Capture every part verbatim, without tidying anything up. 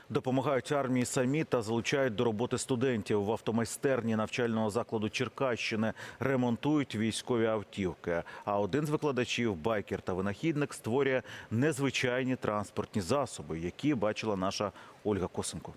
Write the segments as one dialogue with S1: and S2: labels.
S1: Допомагають армії самі та залучають до роботи студентів. В автомайстерні навчального закладу Черкащини ремонтують військові автівки. А один з викладачів, байкер та винахідник, створює незвичайні транспортні засоби, які бачила наша Ольга Косенко.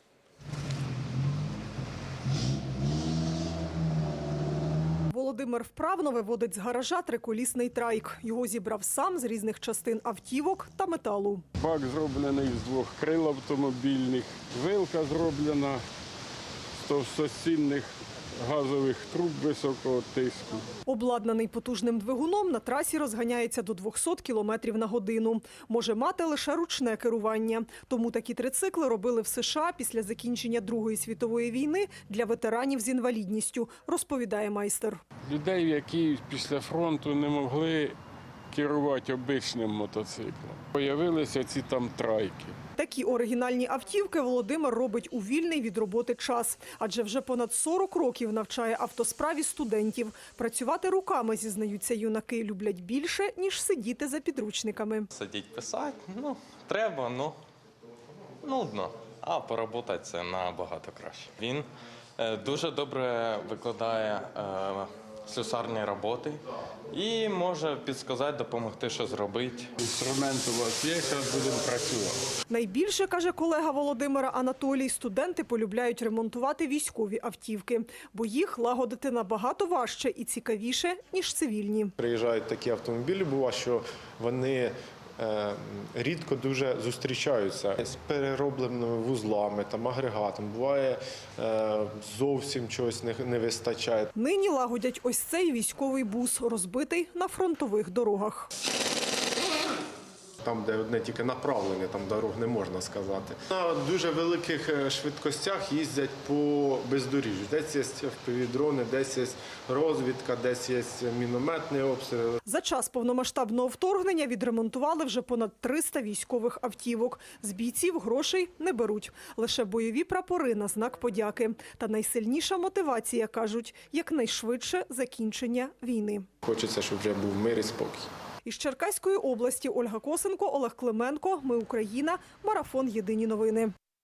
S2: Володимир вправно виводить з гаража триколісний трайк. Його зібрав сам з різних частин автівок та металу.
S3: Бак зроблений з двох крил автомобільних, вилка зроблена з товстостінних газових труб високого тиску.
S2: Обладнаний потужним двигуном, на трасі розганяється до двохсот кілометрів на годину. Може мати лише ручне керування. Тому такі трицикли робили в США після закінчення Другої світової війни для ветеранів з інвалідністю, розповідає майстер.
S3: Людей, які після фронту не могли керувати обичним мотоциклом. Появилися ці там трайки.
S2: Такі оригінальні автівки Володимир робить у вільний від роботи час. Адже вже понад сорок років навчає автосправі студентів. Працювати руками, зізнаються юнаки, люблять більше, ніж сидіти за підручниками.
S4: Сидіть писати, ну, треба, ну, нудно. А поработати це набагато краще. Він е, дуже добре викладає е, слюсарні роботи і може підказати, допомогти, що зробити.
S3: Інструмент у вас є, зараз будемо працювати.
S2: Найбільше, каже колега Володимира Анатолій, студенти полюбляють ремонтувати військові автівки, бо їх лагодити набагато важче і цікавіше, ніж цивільні.
S5: Приїжджають такі автомобілі, буває, що вони е, рідко дуже зустрічаються з переробленими вузлами, там, агрегатом. Буває, е, зовсім чогось не, не вистачає.
S2: Нині лагодять ось цей військовий бус, розбитий на фронтових дорогах.
S5: Там, де одне тільки направлення, там дорог не можна сказати. На дуже великих швидкостях їздять по бездоріжжю. Десь є впівдрони, десь є розвідка, десь є мінометний обстріл.
S2: За час повномасштабного вторгнення відремонтували вже понад триста військових автівок. З бійців грошей не беруть. Лише бойові прапори на знак подяки. Та найсильніша мотивація, кажуть, якнайшвидше закінчення війни.
S5: Хочеться, щоб вже був мир і спокій.
S2: Із Черкаської області Ольга Косенко, Олег Клименко. Ми Україна. Марафон. Єдині новини.